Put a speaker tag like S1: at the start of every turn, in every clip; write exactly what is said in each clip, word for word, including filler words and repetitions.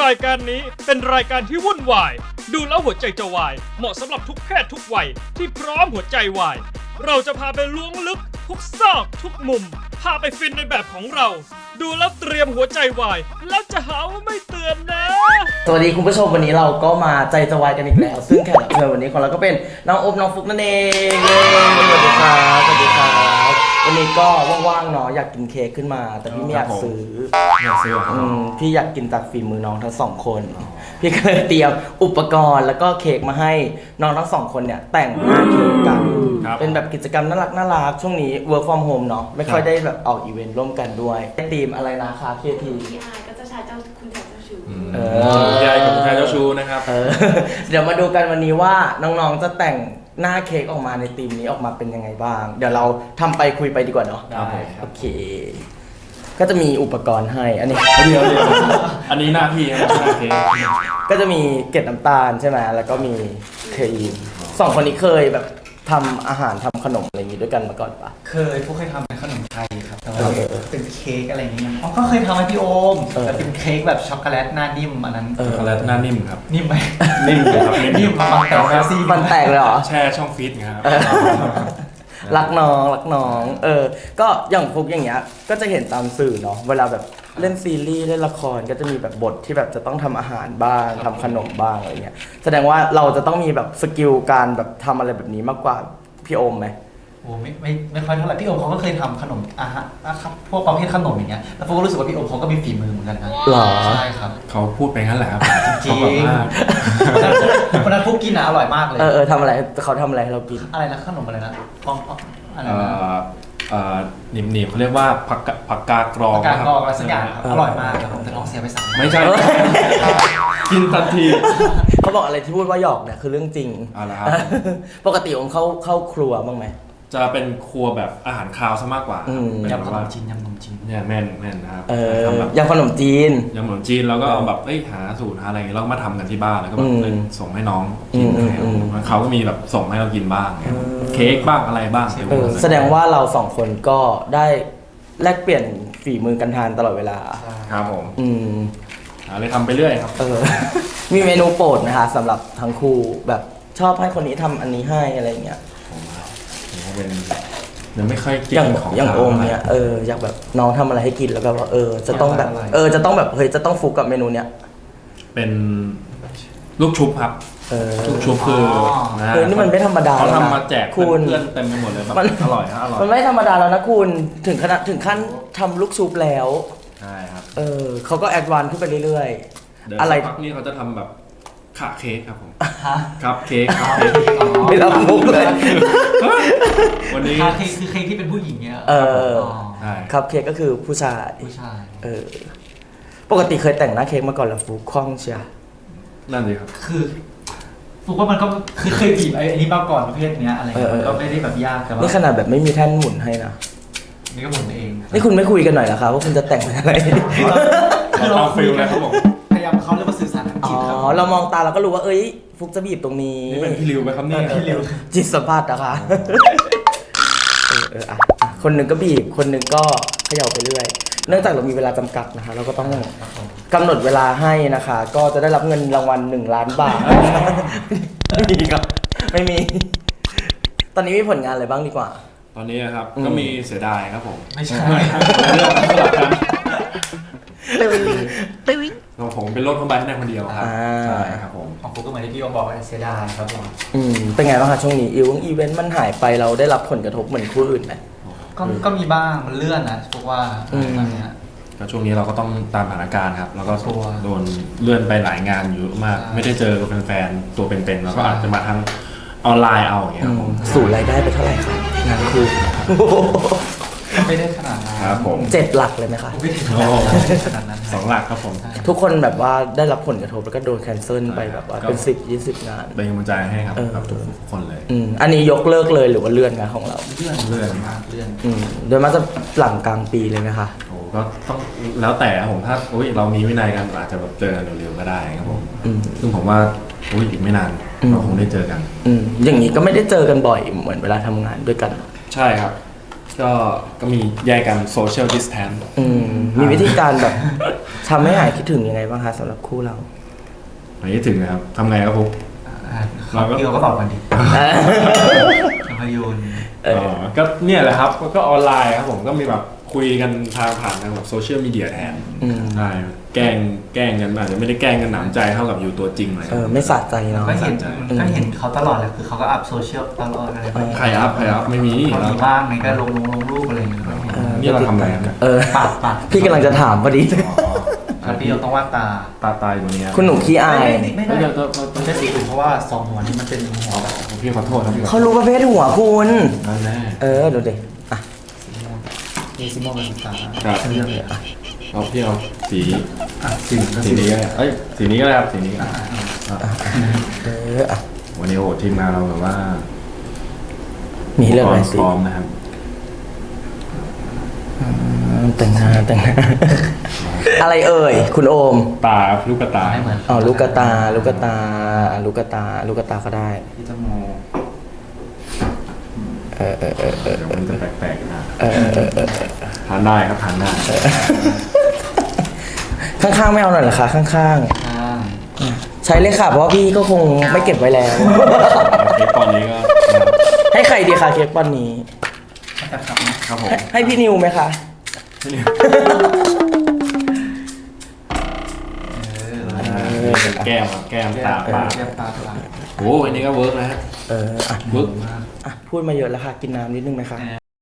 S1: รายการนี้เป็นรายการที่วุ่นวายดูแล้วหัวใจจะวายเหมาะสำหรับทุกเพศทุกวัยที่พร้อมหัวใจวายเราจะพาไปล้วงลึกทุกซอกทุกมุมพาไปฟินในแบบของเราดูแล้วเตรียมหัวใจวายแล้วจะหาว่าไม่เตือนนะ
S2: สวัสดีคุณผู้ชมวันนี้เราก็มาใจจะวายกันอีกแล้วซึ่งแขกรับเชิญวันนี้ของเราก็เป็นน้องอบน้องฟุกนั่นเองสวัสดีครับสวัสดีครับวันนี้ก็ว่างๆเนาะอยากกินเค้กขึ้นมาแต่พี่ไม่อยากซื้อ
S3: อยากซื้ออื
S2: มพี่อยากกินจากฝีมือน้องทั้งสองคนพี่ก็เลยเตรียมอุปกรณ์แล้วก็เค้กมาให้น้องทั้งสองคนเนี่ยแต่งหน้าเค้กกันเป็นแบบกิจกรรมน่ารักน่ารักช่วงนี้ work from home เนาะไม่ค่อยได้แบบออกอีเวนต์ร่วมกันด้วยธีมอะไรนะคะเคที
S4: พี่อายก็จะใช้เจ้าคุณชายเจ้าชู้
S3: เออยายกับคุณชายเจ้าชู้นะครับ
S2: เออเดี๋ยวมาดูกันวันนี้ว่าน้องๆจะแต่งหน้าเค้กออกมาในธีมนี้ออกมาเป็นยังไงบ้างเดี๋ยวเราทำไปคุยไปดีกว่าเนาะ
S3: ได้
S2: โอเคก็จะมีอุปกรณ์ให้อันนี้
S3: เดียวเดียวอันนี้หน้าพี่ครับหน้าเค้ก
S2: ก็จะมีเกล็ดน้ำตาลใช่ไหมแล้วก็มีครีมสองคนนี้เคยแบบทำอาหารทำขนมอะไรอย่างนี้ด้วยกันมาก่อนปะ
S5: เคยพวกเคยทำเป็นขนมไทยครับแต่ว่าเป็นเค้กอะไรอย่างเงี้ยอ๋อก็เคยทำให้พี่โอมแต่เป็นเค้กแบบช็อกโกแลตหน้านิ่มอันนั้น
S3: ช็อกโกแลตหน้านิ่มครับ
S5: นิ่มไหม
S3: นิ่มเลยครับ
S5: นิ่มมันแต่ว่าซี
S2: มันแตกเลยเหรอ
S3: แช่ช่องฟีดครับ
S2: รักน้องรักน้องเออก็อย่างพวกอย่างเงี้ยก็จะเห็นตามสื่อเนาะเวลาแบบเล่นซีรีส์เล่นละครก็จะมีแบบบทที่แบบจะต้องทำอาหารบ้างทำขนมบ้างอะไรเงี้ยแสดงว่าเราจะต้องมีแบบสกิลการแบบทำอะไรแบบนี้มากกว่าพี่โอมไหม
S5: โอ้ไม่ไม่ไม่ค่อยเท่าไหร่พี่โอมเขาก็เคยทำขนมอาหารนะครับพวกประเภทขนมอย่างเงี้ยแล้วผมก็รู้สึกว่าพี่โอมเขาก็มีฝีมือเหมือนกันนะ
S2: หรอ
S5: ใช่ครับ
S3: เขาพูดไปงั้นแหละครับ
S5: จริงวันนั้นพวกกินอ่ะอร่อยมากเลย
S2: เออเออทำอะไรเขาทำอะไรให้เรากิน
S5: อะไรนะขนมอะไรนะปองอะไรนะ
S3: เอ่อหนิมๆเขาเรียกว่าผักผักกากรอง
S5: ผักกากรองอะไรสักอย่างอร่อยมากครับผมจะท้องเสียไปสาม
S3: ไม่ใช่กินทันที
S2: เขาบอกอะไรที่พูดว่าหยอกเนี่ยคือเรื่องจริง
S3: อะไรครับ
S2: ปกติผมเข้าเข้าครัวบ้างไหม
S3: จะเป็นครัวแบบอาหารคาวซะมากกว่าย
S5: ำขนมจีนยำขนมจีน
S3: เนี่ยแม่นแม่นนะครับ
S2: ทำแบบยำขนมจีน
S3: ยำขนมจีนแล้วก็เอาแบบเอ้ยหาสูตรหาอะไรแล้วก็มาทำกันที่บ้านแล้วก็แบบส่งให้น้องกินเขาก็มีแบบส่งให้เรากินบ้างเค้กบ้างอะไรบ้าง
S2: แสดงว่าเราสองคนก็ได้แลกเปลี่ยนฝีมือกันทานตลอดเวลา
S3: ครับผม
S2: อืม
S3: อะไรทำไปเรื่อยครับ
S2: เออมีเมนูโปรดไหมคะสำหรับทั้งคู่แบบชอบให้คนนี้ทำอันนี้ให้อะไรเงี้ย
S3: เป็นยังไม่ค่อยกิ
S2: นของอย่างโอมเนี่ยเอออยากแบบน้องทำอะไรให้กินแล้วแบบว่าเออจะต้องแบบเออจะต้องแบบเฮ้ยจะต้องฟุกกับเมนูเนี้ย
S3: เป็นลูกชุบครับลูกชุบคือ
S2: เฮ้ยนี่มันไม่ธรรมดา
S3: เขาทำมาแจกเพื่อนเต็มไปหมดเลยแบบอร่อยนะอร่อย
S2: มันไม่ธรรมดาแล้วนะคุณถึงขนาดถึงขั้นทำลูกชุบแล้ว
S3: ใช่ครับ
S2: เออเขาก็แอดวานซ์ขึ้นไปเรื่อย
S3: ๆอะไรพักนี้เขาจะทำแบบขาเค้กครับผมครับเค้กครับ
S2: ไม่รับมุกเลย
S5: วันนี้ขาเค้กคือเค้กที่เป็นผู้หญิงเนี่ย
S2: เออครับเค้กก็คือผู้ชาย
S5: ผู้ชาย
S2: เออปกติเคยแต่งหน้าเค้กมาก่อนหรือฟุกคล่องเชีย
S3: นั่นเลยครับ
S5: คือฟุกว่ามันก็คือเคยบีบไอ้นี่มาก่อนประเภทเนี้ยอะไรก็ไม่ได้แบบยากแต่ว่า
S2: นี่ขนาดแบบไม่มีแท่นหมุนให้นะ
S5: นี่ก็หมุนเอง
S2: นี่คุณไม่คุยกันหน่อยเหรอครับว่าคุณจะแต่งอะไร
S3: คือเราคุยเลยครับผม
S5: พยายามเขาเรียกว่าสื่อสารทางจิตครับ
S2: อ๋อเรามองตาเราก็รู้ว่าเอ้ยฟุกจะบีบตรงนี้
S3: นี่เป็นพี่ริวไหมครับนี่
S5: พี่ริว
S2: จิตสัมผัสนะคะเออเอออ่ะคนหนึ่งก็บีบคนหนึ่งก็เขย่าไปเรื่อยเนื่องจากเรามีเวลาจำกัดนะคะเราก็ต้องกำหนดเวลาให้นะคะก็จะได้รับเงินรางวัลหนึ่งล้านบาทไม่มีครับไม่มีตอนนี้มีผลงานอะไรบ้างดีกว่า
S3: ตอนนี้ครับก็มีเสียดายครับผม
S5: ไม่ใช่
S3: เรื่องสลับกัน
S2: ตึ้งตึ้ง
S3: ของผมเป็นรถเข้าไปแค่คนเดียวครับใช่ครับผม
S5: ของผมก็เหมือนที่พี่โอมบอกเสียดายครับผม
S2: อืมเป็นไงบ้างคะช่วงนี้อีวงอีเวนต์มันหายไปเราได้รับผลกระทบเหมือนคู่อื่นไหม
S5: ก็ก็มีบ้างมันเลื่อนนะพวกว่าตอนนี้
S3: ก็ช่วงนี้เราก็ต้องตามสถานการณ์ครับแล้วก็โดนเลื่อนไปหลายงานอยู่มากไม่ได้เจอกับแฟนๆตัวเป็นๆแล้วก็อาจจะมาทางออนไลน์เอาอย่างเงี้ยครับผม
S2: สูตรรายได้ไปเท่าไหร่ครับงานคู่
S5: ไม่ได้ขนาดนั้น
S3: ครับผม
S2: เจ็ดหลักเลยไหมคะ
S5: ไม่ได้ขนาดนั้น
S3: สองหลักครับผม
S2: ทุกคนแบบว่าได้รับผลกระทบแล้วก็โดนแคนเซิลไปแบบว่าเป็นสิบยี่สิบงาน
S3: เป็นกำลังใจให้ครับทุกคนเลย
S2: อันนี้ยกเลิกเลยหรือว่าเลื่อนงานของเรา
S5: เลื่อน
S3: เลื่อน
S5: มากเลื่อน
S2: โดยมากจะหลังกลางปีเลยไหมคะ
S3: โอ้ก็ต้องแล้วแต่ผมถ้าเรามีวินัยกันอาจจะแบบเจอกันเร็วๆก็ได้ครับผมซึ่งผมว่าอีกไม่นานเราคงได้เจอกัน
S2: อย่างนี้ก็ไม่ได้เจอกันบ่อยเหมือนเวลาทำงานด้วยกัน
S3: ใช่ครับก็ก็มีแยกกันโซเชียลดิสแทน
S2: อืมมีวิธีการแบบทำให้หายคิดถึงยังไงบ้างคะสำหรับคู่เรา
S3: ไม่ถึงนะครับทำไงครับผม
S5: เราก็พี่โอก็ตอบกันดิภาพยนตร์
S2: เออ
S3: อ๋อก็เนี่ยแหละครับก็ออนไลน์ครับผมก็มีแบบคุยกันทางผ่านทางแบบโซเชียลมีเดียแทน
S2: อืม
S3: ใช่แกล้งแกล้งกันอาจจะไม่ได้แกล้งกันหนำใจเท่ากับอยู่ตัวจริงเลย
S2: เออไม่สะใจเนาะ
S5: ก็เห็น
S3: ใช่
S5: ก็เห็นเขาตลอดเลยคือเขาก็อัพโซเชียลตลอดอะไรแบบนี้
S3: ใครอัพใครอัพไม่มี
S5: เขามีบ้างไงก็ลงลงลงรูปอะไรอย่างเงี้ย
S3: นี่เราทำอะไรกันเนี่ย
S2: เออ
S5: ปากปาก
S2: พี่กำลังจะถามพอดี
S5: แล้วพี่โอต้องวาดตา
S3: ตาตายตรงนี้
S2: คุณหนูขี้อาย
S5: ไม่ได้มันใช่สีอื่นเพราะว่าสองหัวนี้มันเป็นหัวแบบ
S3: พี่ขอโทษนะพี่ขอโทษ
S2: เขารู้ประเภทหัวคุณ
S3: นั่นแน่
S2: เออเดี๋ยวเดี๋ยวอ่ะ
S5: เอซิโมเป็นตา
S3: ครับ
S5: เรื่องเลยอ่ะ
S3: เอาพี่เอาสี
S5: อ่ะสี
S3: สีนี้ก็ได้เอ้ยสีนี้ก็ได้ครับสีนี้ก็ได้
S2: เอออ่ะ
S3: วันนี้โอ้โหทีมงานเราแบบว่า
S2: มีให้เรื่องอะไรสิ
S3: พร้อมนะครับ
S2: อืมแต่งหน้าแต่งหน้า อะไรเอ่ยคุณโอม
S3: ตาลูกกระตา
S5: ไม่เหมือน
S2: อ๋อลูกกระตาลูกกระตาอ่ะลูกกระตาลูกกระตาก็ได้
S5: ที่จมูก
S2: เออเออเออเออ
S3: เดี๋ยวมันจะแปลกๆนะ
S2: เออเออเออ
S3: ทานได้ครับทานได้
S2: ข้างๆไม่เอาหน่อยเหรอคะข้าง
S5: ข้าง
S2: ๆ ใช้เลยค่ะ เพราะว่าพี่ก็คงไม่เก็บไว้แล้ว
S3: เค้กตอนนี้ก็
S2: ให้ใครดีคะเค้กปอนนี้
S5: จะขับนะครับ
S3: ผม
S2: ให้ให้พี่นิวไหมคะ
S3: แก้มครับแก้มตาปาก
S5: แก้มตาปาก
S3: โอ้อันนี้ก็เวิร์กนะฮะ
S2: เอออ่ะ
S3: เวิร์ก
S2: อ่ะพูดมาเยอะแล้วค่ะ กินน้ำนิดนึงไหมคะ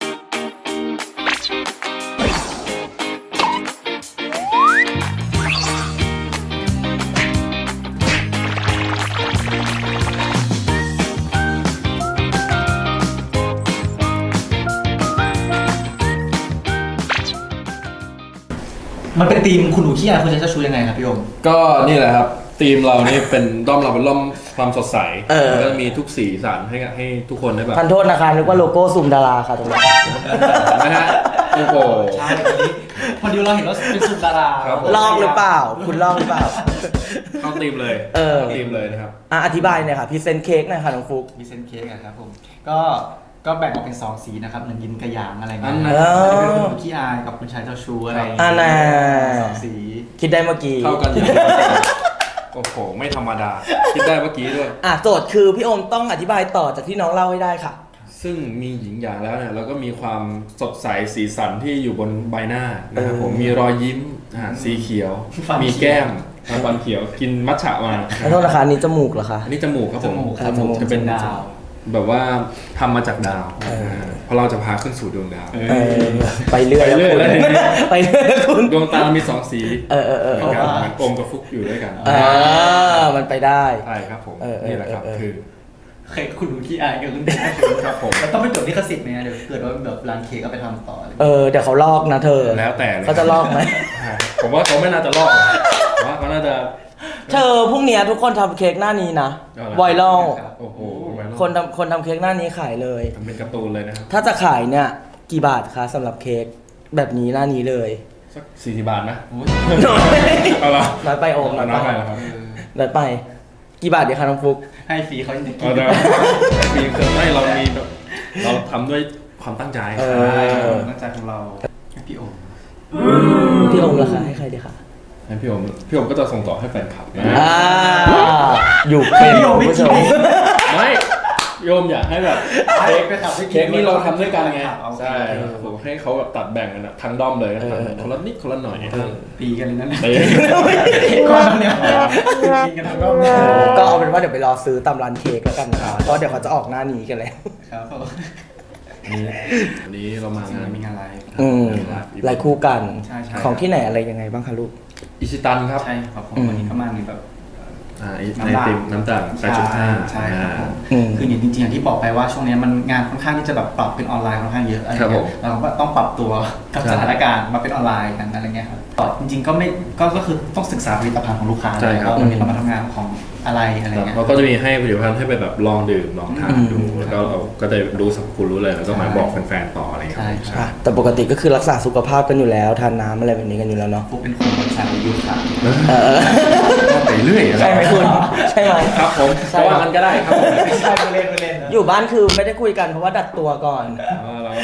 S5: มันเป็นธีมคุณหนูขี้อายคุณจะเจ้าชู้ยังไงครับพี่โอม
S3: ก็นี่แหละครับทีมเรานี่เป็นด้อมเราเป็นด้อมความสดใส
S2: เออ
S3: แล้วก็มีทุกสีสันให้กับให้ทุกคนได้แบบ
S2: ทันโทษนะคะนึกว่าโลโก้ซูมดาราค่ะตรงนี้
S3: นะฮะโอ้โห
S5: ใช่วันนี้พอดีเราเห็นว่าเป็นซุปดารา
S3: ครับผม
S2: ลอกหรือเปล่า คุณลอกหรือเปล่า
S3: เข้าทีมเลย
S2: เออ
S3: ข้าทีมเลยนะครับ
S2: อ่ะอธิบายหน่อยค่ะพรีเซนต์เค้กหน่อยค่ะน้องฟุก
S5: มีเซนเค้กอะครับผมก็ก็แบ่งออกเป็นสองสีนะครับหนึ่งยินกระหยางอะไรเงี้
S3: อั
S5: ย
S3: นไหน
S5: อันนี้เป็นคุณหนูขี้อายกับคุณชายเจ้าชู้อะไรอย่าง
S2: อ่า
S5: เงี้ย
S2: น่ะ
S5: สองสี
S2: คิดได้เมื่อกี้
S3: เข้ากันอย่างโอ้โหไม่ธรรมดา คิดได้เมื่อกี้ด้วย
S2: อ่ะโจทย์คือพี่โอมต้องอธิบายต่อจากที่น้องเล่าให้ได้ค่ะ
S3: ซึ่งมีหญิงอย่างแล้วเนี่ยเราก็มีความสดใสสีสันที่อยู่บนใบหน้านะครับผมมีรอยยิ้มอ่าสีเขียว มีแก้มฟันเขียวกินมัทฉะมา
S2: ขอโทษนะคะอันนี่จมูกเหรอคะ
S3: อันนี้จมูกครับผม
S5: จมูก
S2: ครับจมูก
S3: จะเป็น
S5: ดาว
S3: แบบว่าทำมาจากดาว
S2: เออ
S3: าเพราะเราจะพาขึ้นสู่ดวงดาว
S2: เออไปเรื่อย
S3: ไปเรื่อย
S2: แล้วคุณ
S3: แล้ว
S2: ไปเรื่อยแล้วคุณ
S3: ดวงตามีสองสี
S2: เออเออเออ
S3: เหมือนกันเหมือนอมกับฟุกอยู่ด้วยกัน
S2: เออมันไปได้
S3: ใช่ครับผม
S2: เออเออ
S3: นี่แหละครับ
S2: เออเออ
S3: คือ
S5: เคยคุณหนูขี้อายกับคุณชายเจ้าชู้ครับผมแล้วต้องไปจดลิขสิทธิ์ไหมเดี๋ยวเกิดว่าแบบร้านเค้กเอาไปทำต่ออะไร
S2: เออเดี๋ยวเขาลอกนะเธอ
S3: แล้วแต่เลย
S2: เขาจะลอกไหม
S3: ใช่ผมว่าเขาไม่น่าจะลอกนะผมว่าเขาน่าจะ
S2: เธอพรุ่งนี้ทุกคนทำเค้กหน้านี้นะ
S3: เอาละ
S2: ไวรัล
S3: โอ้โห
S2: คนทำคนทำเค้กหน้านี้ขายเลย
S3: ทำเป็นการ์ตูนเลยนะครับ
S2: ถ้าจะขายเนี่ยกี่บาทคะสำหรับเค้กแบบนี้หน้านี้เลย
S3: สักสี่สิบบาทนะ
S2: น้อย
S3: เอาละ
S2: น้อยไปโอมน้อย
S3: น้อย
S2: ไป
S3: ไปแล้วครับ
S2: น้อยไป กี่บาทดีคะน้องฟุก
S5: ให้ฟรีเขายังจะกิ
S3: เอา
S5: น
S3: เดี๋ยวมีเครื่องให้เรามีแบบเราทำด้วยความตั้งใจ
S2: เอ
S5: ใช่
S2: อ
S5: ตั้งใจของเราให้พี่โอม
S2: พี่โอมราคาให้ใครดีคะ
S3: ให้พี่โอมพี่โอมก็จะส่งต่อให้แฟนคลับนะ
S2: อ่าอยู่เป็นคุณผู้ชม
S3: ไม่โยมอยากให้แบบเค้ก
S5: ไปทำให้กิน
S3: เค้กนี่เราทำด้วยกันไง
S5: เอาโอเค
S3: ใช่ผมให้เขาแบบตัดแบ่งกันอะทั้งด้อมเลยนะคนละนิดคนละหน่อย
S5: ตีกันเลยนั่นแหละ
S3: เอ้ย
S5: ก้อนเนี่ยกินกันทั้งรอบเลย
S2: ก็เอาเป็นว่าเดี๋ยวไปรอซื้อตามร้านเค้กแล้วกันนะคะเพราะเดี๋ยวเขาจะออกหน้านี้กันแล้ว
S5: ครับผม
S3: นี่วันนี้เรามางาน
S5: มีงานไลฟ์
S2: อืมลายคู่กัน
S5: ใช่ใช่
S2: ของที่ไหนอะไรยังไงบ้างคะลูก
S3: อิชิตันครับ
S5: ใช่ครับผมวันนี้ก็มาในแบบ
S3: อ่าในติมน้ำตาลแปดจุดห้า
S5: ใช่ครับผม
S2: อืม
S5: คืออย่างจริงๆอย่างที่บอกไปว่าช่วงนี้มันงานค่อนข้างที่จะแบบปรับเป็นออนไลน์ค่อนข้างเยอะอะไร
S3: ครับผ
S5: เงี้
S3: ม
S5: ยเราก็ต้องปรับตัวกับ
S3: ใช่
S5: สถานการณ์มาเป็นออนไลน์กันอะไรเงี้ยครับก็จริงๆก็ไม่ก็ก็คือต้องศึกษาผลิตภัณฑ์ของลูกค้า
S3: ใช่ครับ
S5: ว่าวันนี้เรามาทำงานของอะไรอะไรเงี้ย
S3: เราก็จะมีให้ผลิตภัณฑ์ให้ไปแบบลองดื่มลองทานดูแล้วก็เราก็จะรู้สรรพคุณรู้เลยแล้วก็มาบอกแฟนๆต่ออะไรอย่างเงี้ย
S5: ใช่
S2: อ่ะแต่ปกติก็คือรักษาสุขภาพกันอยู่แล้วทานน้ำอะไรแบบนี้กันอยู่แล้วเนาะ
S5: ฟุกเป็นคนสายยุทธค่ะ
S2: เออ
S3: ไปเรื่อยอะ
S2: ใช่ไหมคุณใช่ไหม
S3: ครับผม
S2: ใช่
S3: ก็ว่ามันก็ได้ครับผม
S5: ไม่ใช่ไม่เล่นไม่เล่นนะ
S2: อยู่บ้านคือไม่ได้คุยกันเพราะว่าดัดตัวก่อน
S3: อ๋อเรา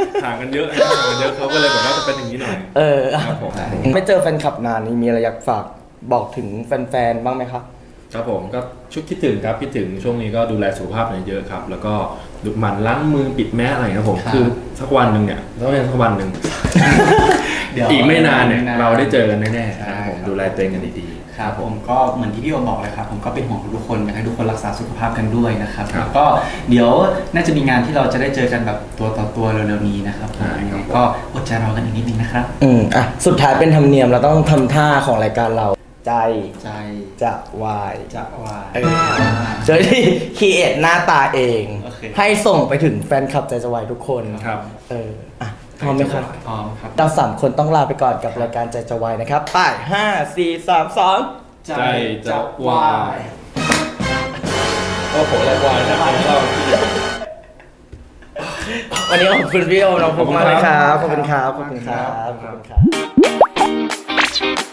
S3: ห่างกันเยอะนะครับห่างกันเยอะเขาก็เลยแบบว่าจะเป็นอย่างนี้หน่อย
S2: เออ
S3: ครับผม
S2: ไม่เจอแฟนคลับนานนี่มีอะไรอยากฝากบอกถึงแฟนๆบ้างไหมครับ
S3: ครับผมก็ชุดคิดถึงครับคิดถึงช่วงนี้ก็ดูแลสุขภาพเยอะครับแล้วก็ดูหมั่นล้างมือปิดแมสอะไรครับผมคือสักวันหนึ่งเนี่ยต้องเป็นสักวันหนึ่ง
S5: เดี๋ยว
S3: อีกไม่นานเนี่ย
S5: ไม่นาน
S3: เราได้เจอกันแน่ๆ
S5: ใช่
S3: นะครับผม
S5: ครับ
S3: ดูแลตัวเองกันดีๆ
S5: ครับผมก็เหมือนที่พี่โอบอกเลยครับผมก็เป็นห่วงทุกคนอยากให้ทุกคนรักษาสุขภาพกันด้วยนะครับ
S3: ครับ
S5: แล้วก็เดี๋ยวน่าจะมีงานที่เราจะได้เจอกันแบบตัวต่อตัวเร็วๆนี้นะครับผม
S3: ใช่
S5: ยัง
S3: ครั
S5: ไง
S3: บ
S5: ก็อดใจรอกันอีกนิดนึงนะครับ
S2: อืมอ่ะสุดท้ายเป็นธรรมเนียมเราต้องทำท่าของรายการเราใจ
S5: ใจ
S2: จะวาย
S5: จะวาย
S2: เออเจอที่คีเอทหน้าตาเอง
S5: โอเค
S2: ให้ส่งไปถึงแฟนคลับใจจะวายทุกคน
S3: ครับ
S2: เอออ่ะพร้อมไหมครับ
S5: พร้อมครับ
S2: เราสามคนต้องลาไปก่อนกับรายการใจจะวายนะครับไป้ายห้าสี่สามสอง
S3: ใจจะวายโอ้โหแรงวายนะครับเรา
S2: วันนี้ขอบคุณพี่โอมน้องฟุกมากเลยครับ ขอบคุณครับ ขอบคุณครับ ขอบคุณครับ